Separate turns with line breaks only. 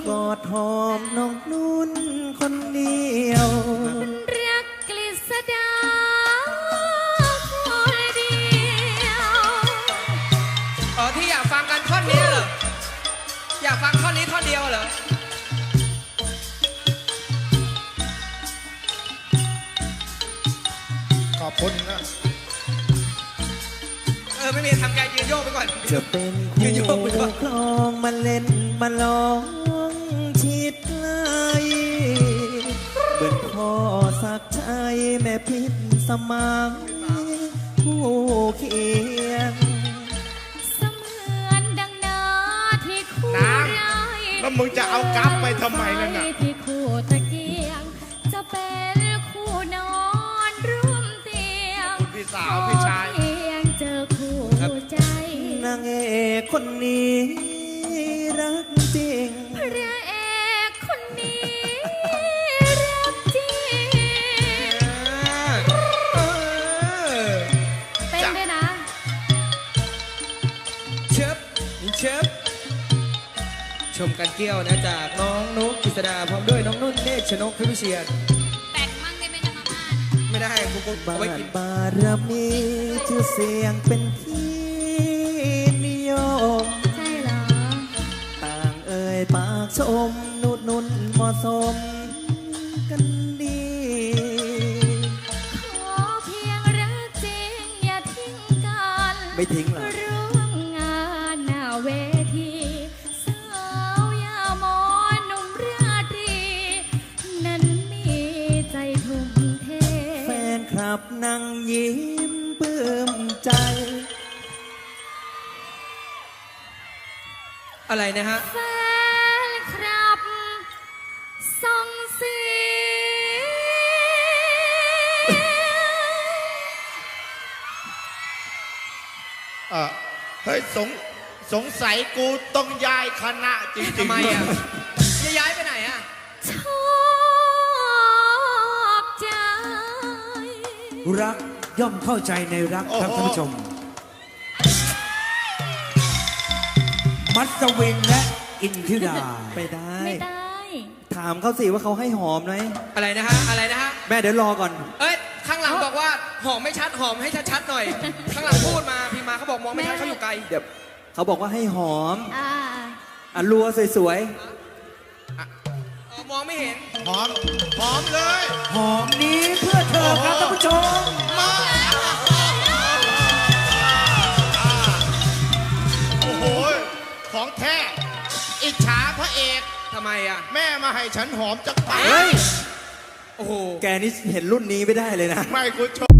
กอดหอมน้องนุ่นคนเดียว
รักกฤษดาคนเดียว
ที่อยากฟังกันท่อนนี้เหรออยากฟังท่อนนี้ท่อนเดียวเหรอ
ขอบคุณนะ
ไม่มีทำใจยืนโยกไปก่อน
จะเป็นคู่ครองมาเล่นมาลองชิดไกลเบิ่งพ่อสักชัยแม่พิษสมังผู้เคียง
เสมือนดังนาที่คู่ไร
แล้วมึงจะเอากั๊บไปทำไมนั่นน่ะ
ที่คู่ตะเกียงจะเป็นคู่นอนร่วมเตียง
พี่สาวพี่ชาย
เจอคู่ใจ
นางเอกคนนี้รักจริง
พระเอกคนนี้รักจริงเป็นด้วยนะ
เชิบชมกันเกี้ยวนะจากน้องนุ๊กกฤษดาพร้อมด้วยน้องนุ่นเนตรชนกพิพิเชียร
แต่งมั่งได้ไหมนะมาม่า
ไม่ได้กูเอาไว้กิน
บารมีชื่อเสียงเป็นที่นิยม
ใช่เหรอ
ต่างเอ่ยปากชมนุ่นเหมาะสมกันดี
ขอเพียงรักจริงอย่าทิ้งกัน
ไม่ทิ้งหรอ
ร่วมงานหน้าเวทีสาวยามอนหนุ่มราตรีนั้นมีใจทุ่มเท
แฟนคลับนั่งยิ้มปลื้มใจ
อะไรนะฮะ
แฟนคลับส่งเสียง
เฮ้ยสงสัยกูต้องย้ายคณะจริงๆ
ทำไมอ่ะจะย้ายไปไหนอ่ะ
ชอบใจ
รักย่อมเข้าใจในรักครับท่านผู้ชมมัสวินและอินทิราไปได้
ไม่ได้
ถามเขาสิว่าเขาให้หอมไหม
อะไรนะฮะ
แม่เดี๋ยวรอก่อน
ข้างหลังบอกว่าหอมไม่ชัดหอมให้ชัดๆหน่อยข้างหลังพูดมาพี่มาเขาบอกมองไม่ชัดเขาอยู่ไกล
เดี๋ยวเขาบอกว่าให้หอมรัวสวย
มองไม่เห็น
หอมเลย
หอมนี้เพื่อเธอครับท่านผู้ชม
มาโอ้โหของแท้อิจฉาพระเอก
ทำไมอ่ะ
แม่มาให้ฉันหอมจากปาก
โอ้โห
แกนี่เห็นรุ่นนี้ไม่ได้เลยนะ
ไม่กูช